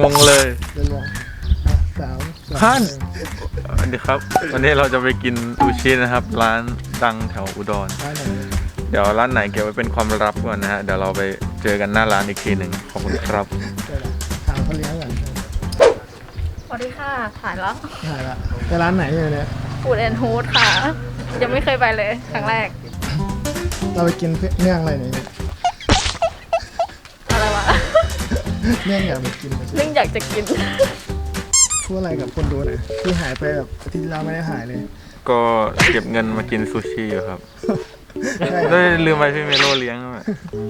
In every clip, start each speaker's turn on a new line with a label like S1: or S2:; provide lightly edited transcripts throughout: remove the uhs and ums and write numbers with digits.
S1: งงเลย
S2: เดี๋ยวสาม
S1: ท่านสวัสดีครับ วันนี้เราจะไปกินซูชินะครับ ร้านดังแถวอุดร
S2: ร้านไหน
S1: เดี๋ยวร้านไหนเก็บไว้เป็นความลับก่อนนะฮะ เดี๋ยวเราไปเจอกันหน้าร้านอีกทีหนึ่งขอบคุณครับ
S2: เดี๋ยวถามเขาเลี้ยงก่อน
S3: สวัสดีค่ะ ถ่ายแล้ว
S2: ถ่ายละไปร้านไหนอยู่เนี่ย
S3: ฟูดแอนด์ฮูดค่ะ ยังไม่เคยไปเลย ครั้งแรก
S2: เราไปกินเนื่องอะไรเนี่ย
S3: อะไรวะ
S2: เนื่องอยากไปกิน
S3: นึ่งอยากจะกิน
S2: พูดอะไรกับคนดูหน่อยที่หายไปแบบอาทิตย์ที่แล้วไม่ได้หายเลย
S1: ก็เก็บเงินมากินซูชิอยู่ครับ
S2: ใช่
S1: ได้ลืมไปพี่เมโลเลี้ยงด้วย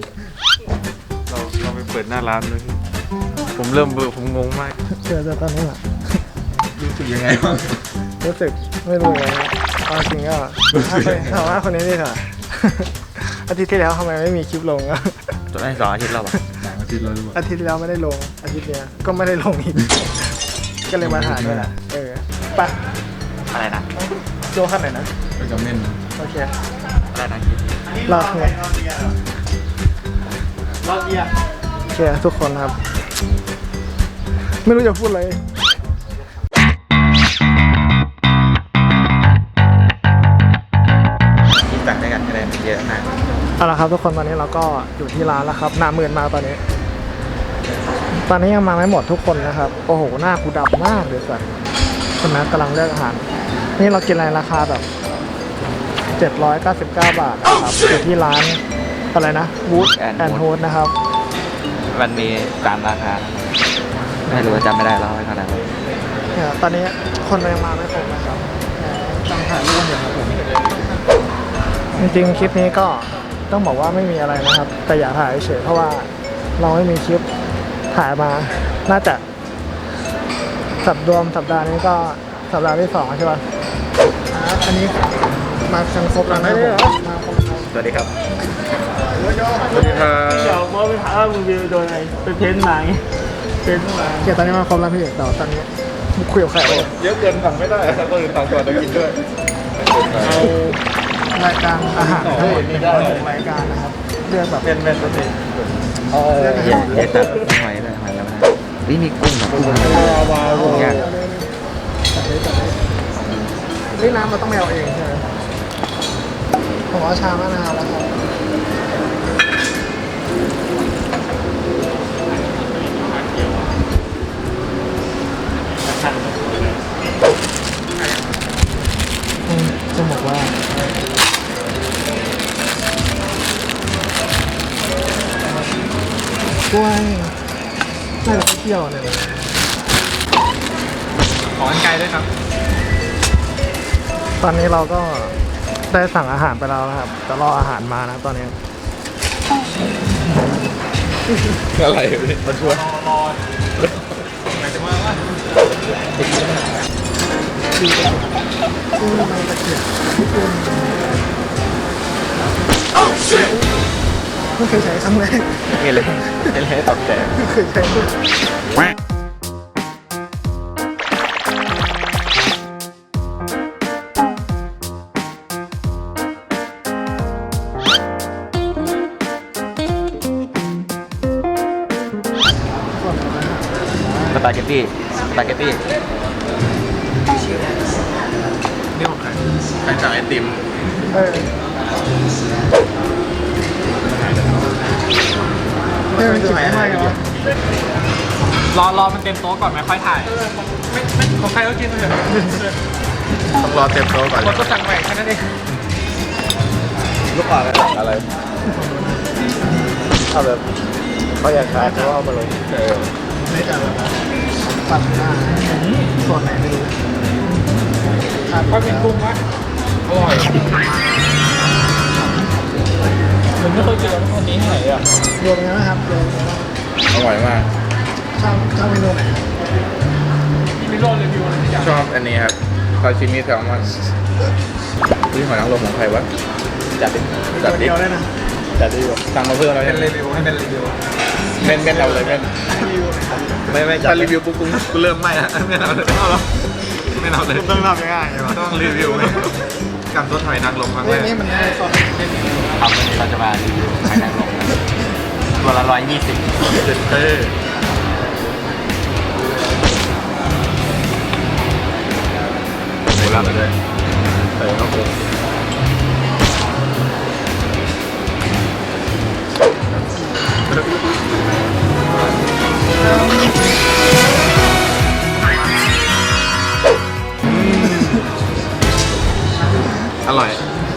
S1: เราไปเปิดหน้าร้านเลยผมเริ่มเบื่อผมงงมาก
S2: เจอตอนนี้แหละ
S1: รู้สึกยังไงบ้าง
S2: รู้สึกไม่รู้เลยตอนจริงก็ถามว่าคนนี้นี่ค่ะ อาทิตย์ที่แล้วทำไมไม่มีคลิปลงอะ
S1: จนได้2 อาทิตย์แล้วป่ะ2 อาทิตย์แล้วหรือเปล่า
S2: อาทิตย์ที่แล้วไม่ได้ลงอาทิตย์เนี้ยก็ไม่ได้ลงอีก ก็เลยมาถ่ายด้วยแหละไป
S1: อะไรนะ
S2: โจขั้นไหนนะ
S1: ไปกับเม่น
S2: โอเค
S1: อะไรนะคิด
S2: รอดไงรอดเดียโอเคทุกคนครับ ไม่รู้จะพูดอะไร
S1: คิดต่างได้กันคะแนนเยอะมาก
S2: เอาละครับทุกคนตอนนี้เราก็อยู่ที่ร้านแล้วครับหน้ามืดมากตอนนี้ ตอนนี้ยังมาไม่หมดทุกคนนะครับ โอ้โหหน้ากูดำมากเลยสัสคนนั้นกำลังเลือกอาหาร นี่เรากินอะไรราคาแบบ799 บาทนะครับอยู่ที่ร้านอะไรนะ Wood and Hood นะครับ
S4: มันมี3 ราคา ไม่รู้จำไม่ได้แล้วไม่เท่าไหร่
S2: เนี่ยตอนนี้คนยังมาไม่ครบนะครับต้องถ่ายรูปอยู่ครับผมจริงๆคลิปนี้ก็ต้องบอกว่าไม่มีอะไรนะครับ แต่อยากถ่ายเฉยเพราะว่าเราไม่มีคลิปถ่ายมาน่าจะสัปดาห์นี้ก็สัปดาห์ที่2ใช่ป่ะอันนี้มากันครบแล้วนะผมมาครบแล้ว
S4: สวัสดีครับ
S1: สวัสดีครับ
S5: เดี๋ยวมอไปถามว่ามึงวิวโดนอะไรไปเพ้นท์มาไงเพ้นท์มา
S2: โอเคตอนนี้มาครบแล้วพี่แต่ว่าตอนนี้คุยกับใครเอา
S1: เยอะเกินสั่งไม่ได้ครับก็เลยสั่งก่อนจะกินด้วย
S2: เอารายการอาหารทั้งหมด6รายการนะครับเลือกแบบ
S1: เป็นตัวเอง
S2: เลือกอา
S4: เย็
S2: หาน ร
S4: เย็นตัดหอยเลยหอยแล้วนะมีกุ้งกุ้งยาก
S2: นี่น้ำมันต้องไปเอาเองใช่ไหมผมเอาชามะนาวแล้วครับจะบอกว่ากล้วยน่าจะเที่ยวเนี่ย
S1: ขอกันไกลด้วยครับ
S2: ตอนนี้เราก็ได้สั่งอาหารไปแล้วนะครับจะรออาหารมานะตอนนี้
S1: อะไรพี่มาชวน
S2: ไม่เคยใช้ครั้งแรก
S4: นี่เลยให้ตอบแทน
S2: ไม่เคยใช้
S4: สปาเกตตี้สปาเกตตี้
S1: นี่ของใครใครสั่งไอติม
S2: เออเฮ้ยมันจุดไม่ไหวเหรอ
S5: รอมันเต็มโต๊ะก่อนไม่ค่อยถ่าย ไม่ของใครก็กินไปเถอะ
S1: ต้องรอเต็มโต๊ะก่อน
S5: คนก็สั่งใหม่แค่นั้นเอง
S1: ลูกค้าอะไร
S2: เอาแบบเขาอยากขายเขาเอามาลงไม่แต่แบบปัดหน้าส่วนไหนไม่รู้
S5: พอเป็นกุ้งวะ
S1: อร่อย
S5: ผมไม่เคยกินแล้วคนนี้ที่ไหนอ่ะ
S2: รวมกันนะครับรวม
S1: อร่อยมาก
S2: ชอบเมนูไหน
S5: มีโรดรีวิวอะไรทุกอย่าง
S1: ชอบอันนี้ครับซาชิมิแซลมอนนี่หอยนางรมของใครวะจัดดิจัดดิ
S2: เดียวเลยนะ
S1: จัดดิสั่งมาเพิ่มแล้วเป็นรีวิวให้เป็นรีวิวเป็นเอาเลยเป็นไม่ถ้ารีวิวปุ๊บกูเริ่มไม่อะไม่เอาเลยเอาหรอไม่เอาเลย
S2: ต้องทำยังไงใช่ไหม
S1: ต้องรีวิวกับต้นหอยนางรมครั้งแรก
S2: นี่มันไม่สด
S4: ครับวันนี้เราจะมารีวิวไข่นางรมกันตัวละ120
S1: เจ็ดเต้อร่อย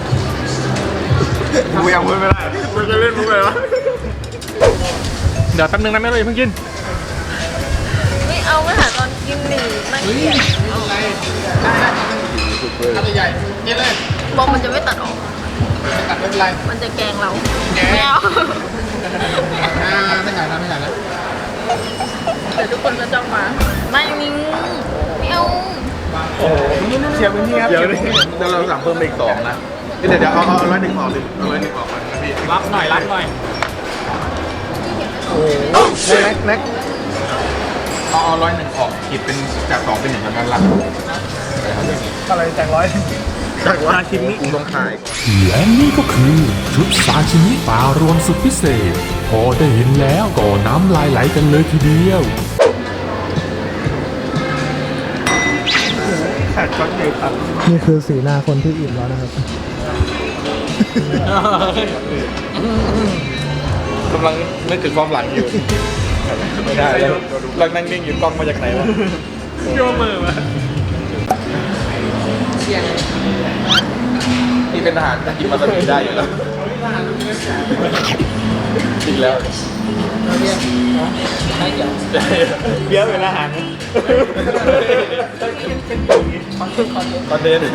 S1: กูยังพูดไม่ได้กูจะเล่นมุกเลยวะ
S5: เดี๋ยวแป๊บนึงนะแม่เลยเพิ่งกิน
S3: ไม่เอามาหาตอนกินหนึ่งน่าเกลียด
S5: ใหญ่กินเลย
S3: บอกมันจะไม่ตัดออก
S5: ตัดไม่เป็นไร
S3: มันจะแกล้งเราไม่เอา
S5: ไม่ใหญ่นะไม่ใหญ่นะ
S3: เดี๋ยวทุกคนก็จ้องมา ไม่มิงไม่เอา
S2: เชียร์พื้นที่ครับ
S1: เดี๋ยวเราสั่งเพิ่มไปอีก2นะเดี๋ยวเอา101ออกดิเอา101ออกก่อนนะพี่
S5: รับหน่อยรับหน่อย
S2: แน็ก
S1: เอา101ออกคิดเป็นจาก2เป็น1แล้วกันหลัก
S2: อะไรแจกร้อย
S1: จากว่าชิ้นนี้กูต้องขาย
S6: และนี่ก็คือชุดซาชิมิปลารวมสุดพิเศษ พอได้เห็นแล้วก็น้ำลายไหลกันเลยทีเดียว
S2: นี่คือสีหน้าคนที่อิ่มแล้วนะครับ
S1: กำลังนึกถึงความหลังอยู่ไม่ได้แล้วเรานั่งนิ่งอยู่กล้องมาจากไหนวะ
S5: โยมมือมา
S1: นี่เป็นทหารกินมาตะมีได้อยู่แล้วจริงแล้วเบี้ยเป็นอาหารคอนเทนต์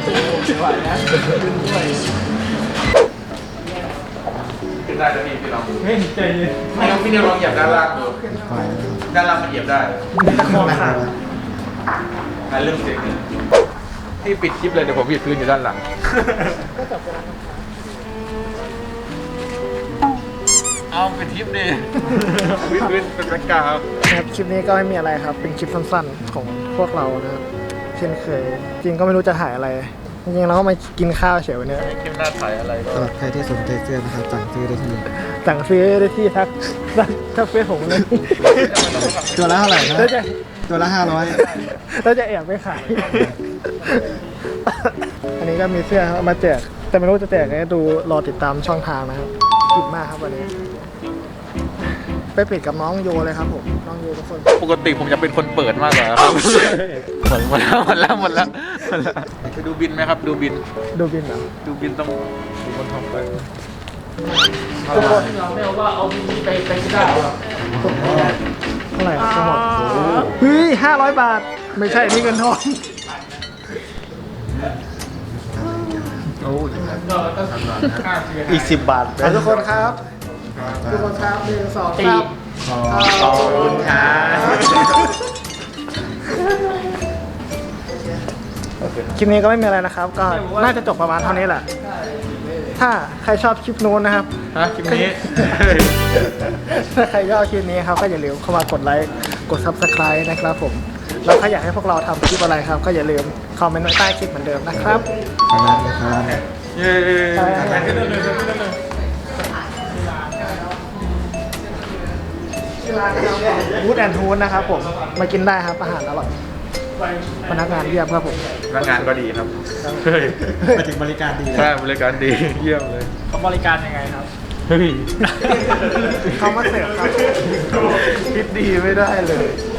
S1: ขึ้นได้แล้วพี่ลอง
S5: เฮ้ยใจเย็น
S1: ไม่ต้องพี่เนี่ยลองเหยียบด้านล่างดูด้านล่างมันเหยียบได้
S2: ตะคอขาด
S1: เรื่องเสียงนี่พี่ปิดคลิปเลยเดี๋ยวผมหยิบพื้นอยู่ด้านหลังเอาเป็นคลิปดิวิพื้นเป็นแบ็คกราวด์
S2: นะครับคลิปนี้ก็ไม่มีอะไรครับ เป็นคลิปสั้นๆของพวกเรานะครับเช่นเคย จริงก็ไม่รู้จะถ่ายอะไร จริงๆเราก็มากินข้าวเฉยวันนี้
S1: คลิปหน้าถ่ายอะไรก็
S7: สำหรับใครที่สนใจเสื้อนะครับสั่งซื้อได้ที่
S2: สั่งซื้อได้ที่ทักเฟซผมเลย
S7: ตัวละเท่าไหร่นะ
S2: แล้วจะ
S7: ตัวละ
S2: แล้วจะแอบไปขาย อันนี้ก็มีเสื้อเอามาแจก แต่ไม่รู้จะแจกไงดูรอติดตามช่องทางนะครับอิ่มมากครับวันนี้ ไปปิดกับน้องโยเลยครับผมน้องโยทุกคน
S1: ปกติผมจะเป็นคนเปิดมากกว่าครับหมดแล้วไปดูบินไหมครับดูบิน
S2: ดูบินเหรอ
S1: ดูบินต้องดูคนทำไป
S2: ทุกคน
S5: ไม่เอาว่าเอาบินนี้ไปที่ได้หรอ
S2: เท่าไหร่ครับทั้งหมดเฮ้ย500 บาท ไม่ใช่นี่เงินทอน
S7: อีก10 บาท
S2: ทุกคนครับทุกคนครับ1 2 ครับ
S1: ขอบคุณครับ
S2: คลิปนี้ก็ไม่มีอะไรนะครับ ก็น่าจะจบประมาณเท่านี้แหละ ถ้าใครชอบคลิปนู้นนะครับ
S1: คลิปนี้
S2: ถ้าใครชอบคลิปนี้ครับก็อย่าลืมเข้ามากดไลค์กด Subscribe นะครับผมแล้วถ้าอยากให้พวกเราทำคลิปอะไรครับ ก็อย่าลืมคอมเมนต์ไว้ใต้คลิปเหมือนเดิมนะครับ
S1: เย้
S2: วูดแอนทูนนะครับผมมากินได้ครับอาหารอร่อยพนักงานเยี่ยมครับผม
S1: พนักงานก็ดีครับ
S7: มาถึงบริการดี
S1: ใช่บริการดีเยี่ยมเลย
S5: เขาบริการยังไงครับ
S1: เฮ้ย
S2: เขามาเสิร์ฟครับ
S1: คิดดีไม่ได้เลย
S2: ค